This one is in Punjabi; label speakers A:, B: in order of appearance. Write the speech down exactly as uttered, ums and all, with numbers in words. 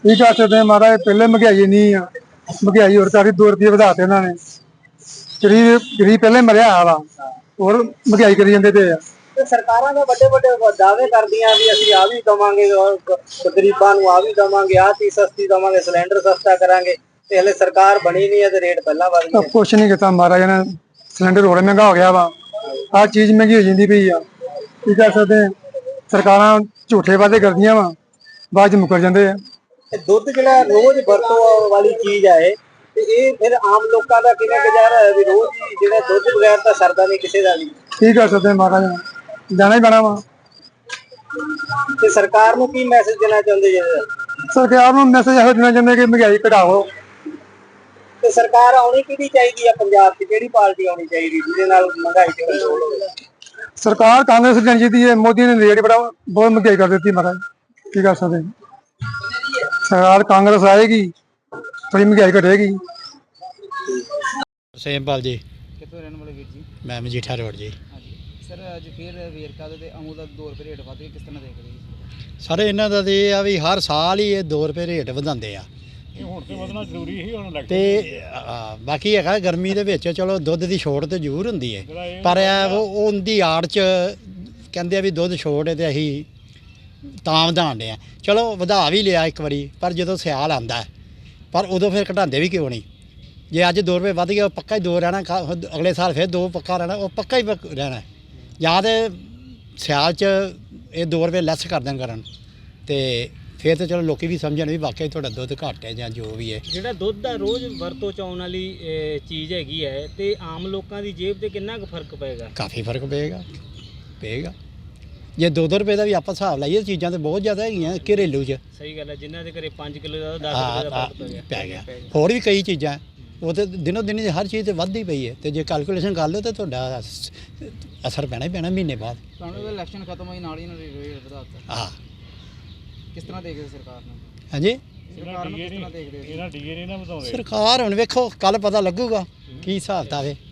A: ਕੀ ਕਰ ਸਕਦੇ ਹਾਂ ਮਹਾਰਾਜ, ਪਹਿਲੇ ਮਹਿੰਗਾਈ ਨਹੀਂ ਆ, ਮਹਿੰਗਾਈ ਹੋਰ ਕਾਫੀ ਦੋ ਰੁਪਏ ਵਧਾਤੇ ਇਹਨਾਂ ਨੇ। ਗਰੀਬ ਗਰੀਬ ਪਹਿਲੇ ਮਰਿਆ ਆ ਵਾ, ਹੋਰ ਮਹਿੰਗਾਈ ਕਰੀ ਜਾਂਦੇ ਪਏ ਆ।
B: ਤੇ ਸਰਕਾਰਾਂ ਦੇ ਵੱਡੇ ਵੱਡੇ ਦਾਅਵੇ ਕਰਦੀਆਂ ਵੀ ਅਸੀਂ ਆ ਵੀ ਦਵਾਂਗੇ, ਗਰੀਬਾਂ ਨੂੰ ਆ ਵੀ ਦਵਾਂਗੇ, ਆਹ ਚੀਜ਼ ਸਸਤੀ ਦਵਾਂਗੇ, ਸਿਲੰਡਰ ਸਸਤਾ ਕਰਾਂਗੇ, ਤੇ ਹਲੇ ਸਰਕਾਰ ਬਣੀ ਨਹੀਂ ਹੈ ਤੇ ਰੇਟ ਪਹਿਲਾਂ ਵੱਧ ਗਿਆ।
A: ਕੁਛ ਨਹੀਂ ਕੀਤਾ ਮਹਾਰਾਜ ਨੇ, ਸਿਲੰਡਰ ਹੋਰ ਮਹਿੰਗਾ ਹੋ ਗਿਆ ਵਾ, ਆਹ ਚੀਜ਼ ਮਹਿੰਗੀ ਹੋ ਜਾਂਦੀ ਪਈ ਆ। ਕੀ ਕਰ ਸਕਦੇ, ਸਰਕਾਰਾਂ ਝੂਠੇ ਵਾਅਦੇ ਕਰਦੀਆਂ ਵਾ, ਬਾਅਦ ਚ ਮੁੱਕਰ ਜਾਂਦੇ ਆ।
B: ਦੁੱਧ ਜਿਹੜਾ ਰੋਜ਼ ਵਰਤੋਂ ਵਾਲੀ ਚੀਜ਼ ਹੈ, ਤੇ ਇਹ ਫਿਰ ਆਮ ਲੋਕਾਂ ਦਾ ਕਿਵੇਂ ਗੁਜ਼ਾਰਾ ਹੈ ਵੀ ਰੋਜ਼ ਹੀ ਜਿਹੜਾ ਦੁੱਧ ਬਗੈਰ ਤਾਂ ਸਰਦਾ ਨਹੀਂ ਕਿਸੇ ਦਾ ਵੀ।
A: ਕੀ ਕਰ ਸਕਦੇ ਮਹਾਰਾਜ, ਜਾਣਾ ਹੀ ਪੈਣਾ ਵਾ।
B: ਤੇ ਸਰਕਾਰ ਨੂੰ ਕੀ ਮੈਸੇਜ ਦੇਣਾ ਚਾਹੁੰਦੇ ਜੀ?
A: ਸਰਕਾਰ ਨੂੰ ਮੈਸੇਜ ਇਹੋ ਦੇਣਾ ਚਾਹੁੰਦੇ ਕਿ ਮਹਿੰਗਾਈ ਘਟਾਓ।
B: ਤੇ ਸਰਕਾਰ ਆਉਣੀ ਕਿਹਦੀ ਚਾਹੀਦੀ ਆ ਪੰਜਾਬ 'ਚ, ਕਿਹੜੀ ਪਾਰਟੀ ਆਉਣੀ ਚਾਹੀਦੀ ਜਿਹਦੇ ਨਾਲ ਮਹਿੰਗਾਈ ਤੇ ਕੰਟਰੋਲ ਹੋਵੇ?
A: ਸਰਕਾਰ ਕਾਂਗਰਸ ਜਾਣੀ ਚਾਹੀਦੀ ਹੈ। ਮੋਦੀ ਨੇ ਰੇਟ ਬੜਾ ਬਹੁਤ ਮਹਿੰਗਾਈ ਕਰ ਦਿੱਤੀ ਮਹਾਰਾਜ, ਕੀ ਕਰ ਸਕਦੇ। ਸਰਕਾਰ ਕਾਂਗਰਸ ਆਏਗੀ, ਥੋੜੀ ਮਹਿੰਗਾਈ ਘਟੇਗੀ।
C: ਸੇਮਪਾਲ ਜੀ,
D: ਕਿੱਥੋਂ ਰਹਿਣ ਵਾਲੇ ਵੀਰ ਜੀ?
C: ਮੈਂ ਮਜੀਠਾ ਰੋਡ ਜੀ।
D: ਹਾਂਜੀ ਸਰ, ਅੱਜ ਫਿਰ ਵੇਰਕਾ ਦਾ ਤੇ ਅਮੂਲ ਦਾ ਦੋ ਰੁਪਏ ਰੇਟ ਵੱਧ ਗਏ, ਕਿਸ ਤਰ੍ਹਾਂ ਦੇਖਦੇ ਜੀ?
C: ਸਰ ਇਹਨਾਂ ਦਾ ਤੇ ਇਹ ਆ ਵੀ ਹਰ ਸਾਲ ਹੀ ਇਹ ਦੋ ਰੁਪਏ ਰੇਟ ਵਧਾਉਂਦੇ ਆ।
E: ਇਹ ਹੁਣ ਤੇ ਵਧਣਾ ਜ਼ਰੂਰੀ ਹੀ ਹੁਣ ਲੱਗ
C: ਤੇ ਆ, ਬਾਕੀ ਹੈਗਾ ਗਰਮੀ ਦੇ ਵਿੱਚ ਚਲੋ ਦੁੱਧ ਦੀ ਛੋਟ ਤੇ ਜ਼ਰੂਰ ਹੁੰਦੀ ਹੈ, ਪਰ ਇਹ ਉਹ ਉਹਦੀ ਆੜ 'ਚ ਕਹਿੰਦੇ ਆ ਵੀ ਦੁੱਧ ਛੋਟ ਹੈ ਤੇ ਅਸੀਂ ਤਾਂ ਵਧਾਉਂਦੇ ਆ। ਚਲੋ ਵਧਾ ਵੀ ਲਿਆ ਇੱਕ ਵਾਰੀ, ਪਰ ਜਦੋਂ ਸਿਆਲ ਆਉਂਦਾ ਪਰ ਉਦੋਂ ਫਿਰ ਘਟਾਉਂਦੇ ਵੀ ਕਿਉਂ ਨਹੀਂ? ਜੇ ਅੱਜ ਦੋ ਰੁਪਏ ਵੱਧ ਗਿਆ, ਉਹ ਪੱਕਾ ਹੀ ਦੋ ਰਹਿਣਾ, ਅਗਲੇ ਸਾਲ ਫਿਰ ਦੋ ਪੱਕਾ ਰਹਿਣਾ, ਉਹ ਪੱਕਾ ਹੀ ਰਹਿਣਾ। ਜਾਂ ਤਾਂ ਸਿਆਲ 'ਚ ਇਹ ਦੋ ਰੁਪਏ ਲੈਸ ਕਰ ਦੇਣ ਕਰਨ, ਤੇ ਫਿਰ ਤਾਂ ਚਲੋ ਲੋਕੀ ਵੀ ਸਮਝਣ ਵੀ ਵਾਕਈ ਤੁਹਾਡਾ ਦੁੱਧ ਘੱਟ ਹੈ ਜਾਂ ਜੋ ਵੀ ਹੈ।
F: ਜਿਹੜਾ ਦੁੱਧ ਦਾ ਰੋਜ਼ ਵਰਤੋਂ 'ਚ ਆਉਣ ਵਾਲੀ ਚੀਜ਼ ਹੈਗੀ ਹੈ, ਤੇ ਆਮ ਲੋਕਾਂ ਦੀ ਜੇਬ ਤੇ ਕਿੰਨਾ ਕੁ ਫਰਕ ਪਏਗਾ?
C: ਕਾਫੀ ਫਰਕ ਪਏਗਾ ਪਏਗਾ ਜੇ ਦੋ ਦੋ ਰੁਪਏ ਦਾ ਵੀ ਆਪਾਂ ਹਿਸਾਬ ਲਾਈਏ, ਚੀਜ਼ਾਂ ਤਾਂ ਬਹੁਤ ਜ਼ਿਆਦਾ ਹੈਗੀਆਂ ਘਰੇਲੂ 'ਚ।
F: ਸਹੀ ਗੱਲ ਹੈ, ਜਿਨ੍ਹਾਂ ਦੇ ਘਰੇ ਪੰਜ ਕਿਲੋ ਦਾ ਦਸ ਰੁਪਏ ਦਾ ਫਰਕ ਪੈ ਗਿਆ
C: ਪੈ ਗਿਆ। ਹੋਰ ਵੀ ਕਈ ਚੀਜ਼ਾਂ ਉਹ ਤਾਂ ਦਿਨੋਂ ਦਿਨ ਹਰ ਚੀਜ਼ ਤੇ ਵੱਧਦੀ ਪਈ ਹੈ, ਤੇ ਜੇ ਕੈਲਕੂਲੇਸ਼ਨ ਕਰ ਲਓ ਤਾਂ ਤੁਹਾਡਾ ਅਸਰ ਪੈਣਾ ਹੀ ਪੈਣਾ ਮਹੀਨੇ ਬਾਅਦ।
D: ਤੁਹਾਨੂੰ ਇਲੈਕਸ਼ਨ ਖਤਮ ਹੋਈ ਨਾਲ ਹੀ ਇਹਨਾਂ ਨੇ ਰੇਟ ਵਧਾ ਦਿੱਤਾ,
C: ਹਾਂ
D: ਕਿਸ ਤਰ੍ਹਾਂ ਦੇਖਦੇ ਸਰਕਾਰ ਨੂੰ?
C: ਹਾਂਜੀ,
D: ਸਰਕਾਰ ਨੂੰ ਕਿਸ ਤਰ੍ਹਾਂ ਦੇਖਦੇ?
E: ਇਹਨਾਂ ਡੀਏ ਨਹੀਂ ਨਾ ਵਧਾਉਂਦੇ।
C: ਸਰਕਾਰ ਹੁਣ ਵੇਖੋ ਕੱਲ ਪਤਾ ਲੱਗੂਗਾ ਕੀ ਹਿਸਾਬ ਕਿਤਾਬ ਹੈ।